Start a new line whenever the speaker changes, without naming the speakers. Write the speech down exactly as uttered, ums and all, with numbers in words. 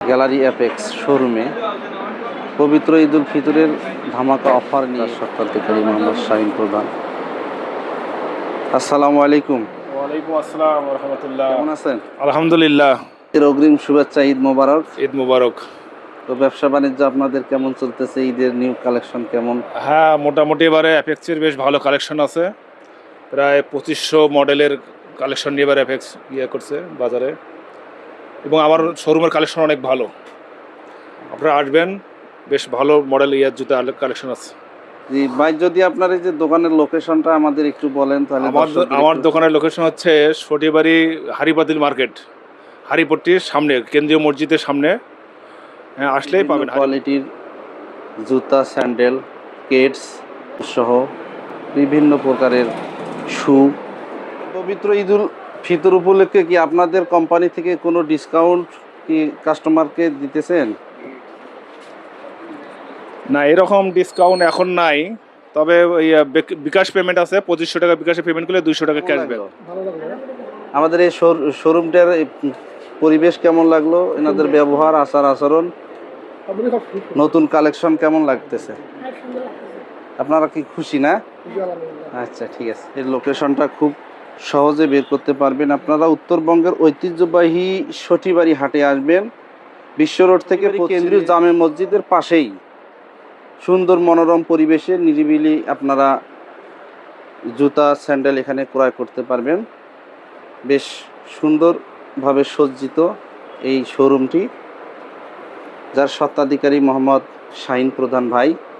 Gallery apex শোরুমে পবিত্র ঈদ উল ফিতরের ধামাকা অফার নিয়ে স্বত্বাধিকারী মোহাম্মদ শাহিন প্রধান। আসসালামু আলাইকুম।
ওয়ালাইকুম আসসালাম ওয়া রাহমাতুল্লাহ।
কেমন আছেন?
আলহামদুলিল্লাহ।
এর অগ্রিম শুভেচ্ছা, ঈদ মোবারক।
ঈদ মুবারক।
তো ব্যবসা বাণিজ্য আপনাদের কেমন চলতেছে? ঈদের নিউ কালেকশন কেমন?
হ্যাঁ, মোটামুটি এবারে অ্যাপেক্সের বেশ ভালো কালেকশন আছে। প্রায় পঁচিশশো মডেলের কালেকশন নিয়ে এবার অ্যাপেক্স ইয়ে করছে বাজারে, এবং আমার শোরুমের কালেকশন অনেক ভালো। আপনারা আসবেন, বেশ ভালো মডেল ইয়ার জুতা কালেকশন আছে।
জি ভাই, যদি আপনার এই যে দোকানের লোকেশনটা আমাদের একটু বলেন তাহলে।
আমার
দর্শকদের
আমার
একটু-
দোকানের লোকেশন হচ্ছে সটিবাড়ি হারিপাতিল মার্কেট, হারিপট্টির সামনে, কেন্দ্রীয় মসজিদের সামনে। হ্যাঁ, আসলেই
বিভিন্ন
পাবেন।
কোয়ালিটির জুতা, স্যান্ডেল, কেটস সহ বিভিন্ন প্রকারের শু। পবিত্র ঈদুল ফিতর উপলক্ষে কি আপনাদের কোম্পানি থেকে কোনো ডিসকাউন্ট কি কাস্টমারকে দিতেছেন?
না, এরকম ডিসকাউন্ট এখন নাই, তবে ওই আহ, বিক- বিকাশ পেমেন্ট আছে। পঁচিশশো টাকা বিকাশে পেমেন্ট করলে দুইশো টাকা ক্যাশব্যাক।
আমাদের এই শোরুমটার এই পরিবেশ কেমন লাগলো? এনাদের ব্যবহার, আচার আচরণ, নতুন কালেকশন কেমন লাগতেছে? আপনারা কি খুশি না? আচ্ছা, ঠিক আছে। এর লোকেশনটা খুব সহজে বের করতে পারবেন আপনারা। উত্তরবঙ্গের ঐতিহ্যবাহী সটিবাড়ি হাটে আসবেন। বিশ্ব রোড থেকে কেন্দ্রীয় জামে মসজিদের পাশেই সুন্দর মনোরম পরিবেশে নিরিবিলি আপনারা জুতা, স্যান্ডেল এখানে ক্রয় করতে পারবেন। বেশ সুন্দরভাবে সজ্জিত এই শোরুমটি, যার স্বত্বাধিকারী মোহাম্মদ শাহিন প্রধান ভাই।